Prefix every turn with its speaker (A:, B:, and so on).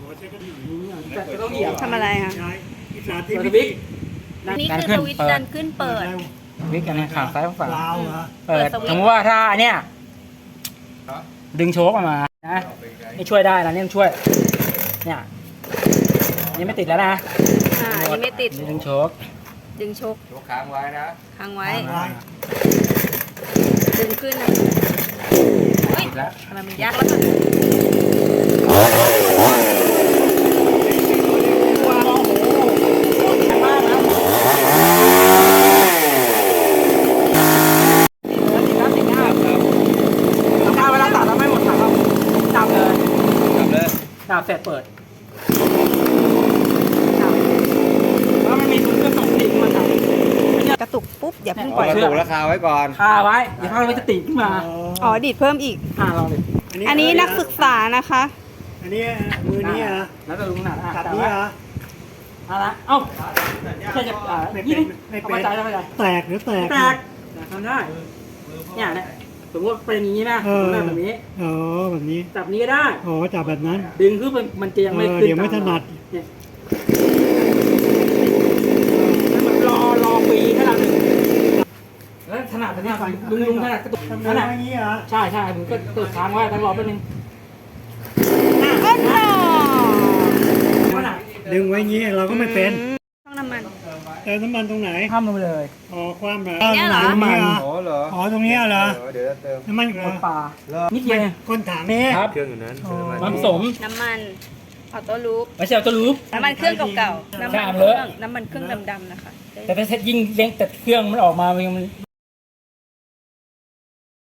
A: จะต้องเหยียบ
B: ทำอะไรคะ
A: สวิตช์
B: นี่คือสวิตช์ดันขึ้นเปิด
C: วิกกันนะขาซ้ายขวา
A: ลาวเหรอ
C: เปิด
B: เปิดสวิตช์
C: สมมติว่าถ้าเนี่ยดึงโชคออกมานะนี่ช่วยได้นะเนี่ยช่วยเนี่ยนี่ไม่ติดแล้วนะ
B: อันนี้ไม่ติด
C: นี่ดึงโชค
B: ดึงชก
D: ยกค้างไว้นะ
B: ค้างไว้
A: ไว้
B: ดึงขึ้นนะเฮ้ย
C: ติดแล้ว
B: ทำไมมันยากแล้วกัน
C: เวลาตัดเราไม่หมดถังเราจับเลย
D: จับเลย
C: จับเสร็จเปิดแล้วมันมีถุงกระสุนติดมาจับ
B: กระตุกปุ๊บอย่าเพิ่งป
D: ป
B: ล่
D: ล่
B: อ
D: อย ยถูกราคาไว้ก่อน
C: คาไว้อย่าพลาดมันจะติดขึ้นมา
B: อ๋อดีดเพิ่มอีก
C: ลองดิ
B: อันนี้นักศึกษานะคะ
A: อันนี้มือนี้เหรอ
C: แล้วก็ลุงหนา
A: จับนี้เหรอ
C: เอาละเอ้าแค่จะยิง
A: ไม่เป็น
C: เข้าใจเข้าใจ
A: แตกหรือแตก
C: แตกทำได้เนี่ยสมมติเป็นอย่างนี้นะแบบนี้
A: อ๋อแบบนี้
C: จับนี้ก็ได้
A: อ๋อจับแบบนั้น
C: ดึงคือมันจะยังไม่ขึ้น
A: เดี๋ยวไม่ถนัด
C: เนี่ยแล้วมันรอปีขนาดหนึ่งแล้วถนัดเนี่ยลุงถนัดกระตุก
A: ทำ
C: ถนัด
A: อย่างนี้เหรอ
C: ใช่ผมก็กดค้างไว้ต้องรอแป๊บนึง
B: ก็หน่อ
C: ถนัด
A: ดึงไว้อย่างนี้เราก็ไม่เป็น
B: ต้องน้ำมัน
A: เติมน้ำมันตรงไหน
C: ข้ามลงไปเลย
A: อ๋อความแบบ
B: อย่างเงี้ยเหรอ
A: น้ำมัน
D: โอ้เหรอ
A: อ๋อตรงนี้เหรอ
D: เดี๋ยวจะเติม
A: น้ำมันเหร
C: ก
A: อ
C: ดปลานิดเดียว
A: ก้นถังนี้
C: ครับ
D: เครื่องอยู่นั้น
C: มันผสม
B: น้ำมันออโต้ลูป
C: ไม่ใช่เอาตัวรูป
B: น้ำมันเครื่องเก่าๆน้ำมัน
C: ใช่
B: เค
C: เล
B: รื่
C: ย
B: องน้ำมันเครื่องดำๆนะคะ
C: แต่ถ้ายิ่งเลี้ยงแต่เครื่องมันออกมามัน